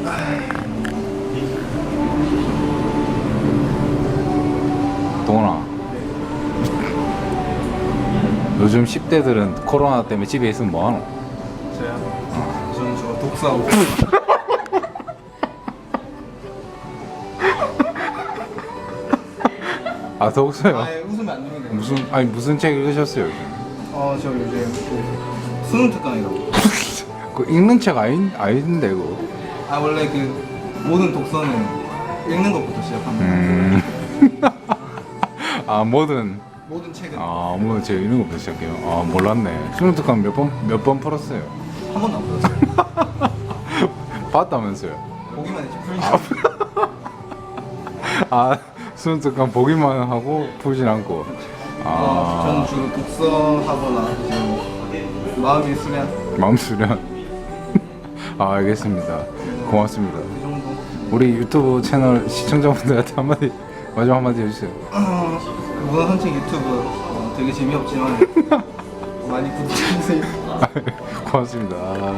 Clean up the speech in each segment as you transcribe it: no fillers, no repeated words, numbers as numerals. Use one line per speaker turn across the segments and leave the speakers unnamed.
동원아, 요즘 10대들은 코로나 때문에 집에 있으면 뭐하노?
저요? 저는 저거 독서하고
아, 더욱서요?
웃으면 안 되는데.
무슨 책 읽으셨어요? 요즘?
저 요즘 그 수능 특강이라고.
그 읽는 책 아닌데 그거.
원래 그 모든 독서는 읽는 것부터 시작합니다.
아, 모든
모든
책 읽는 것부터 시작해요. 아, 몰랐네. 수능 특강 몇 번 풀었어요?
한 번도 안 풀었어요.
봤다면서요?
보기만 했지 풀지.
수능 특강 보기만 하고 풀진 않고.
저는 주로 독서하거나 이제 마음의 수련
마음 수련. 알겠습니다. 고맙습니다.
그 정도.
우리 유튜브 채널 시청자분들한테 마지막 한마디 해주세요.
그 문화 산책 유튜브 되게 재미없지만 많이 구독해주세요.
고맙습니다.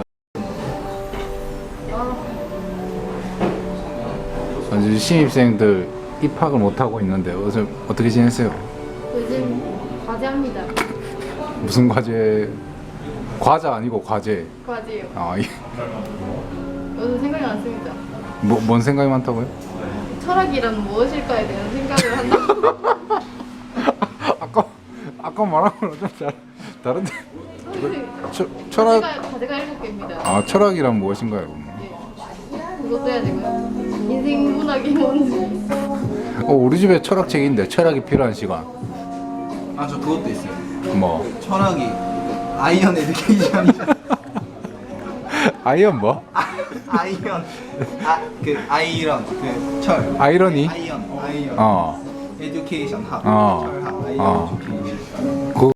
요즘 신입생들 입학을 못하고 있는데 어떻게 지냈어요?
요즘 과제합니다.
무슨 과제? 과자 아니고 과제.
과제요. 요즘 생각이 많습니다.
뭔 생각이 많다고요?
철학이란 무엇일까에 대한 생각을 한다고.
아까 말한 거랑 좀 다른데.
철학 과제가 7개입니다.
철학이란 무엇인가요?
예. 그것도 해야 되고요. 인생 문학이 뭔지.
우리 집에 철학책인데 철학이 필요한 시간.
저 그것도 있어요.
뭐?
철학이 아이언 에듀케이션이잖아.
아이언 뭐?
아이언 그 아이런 그 철
아이러니?
아이언
어.
에듀케이션 학
어.
철학
어.
아이언 에듀케이션.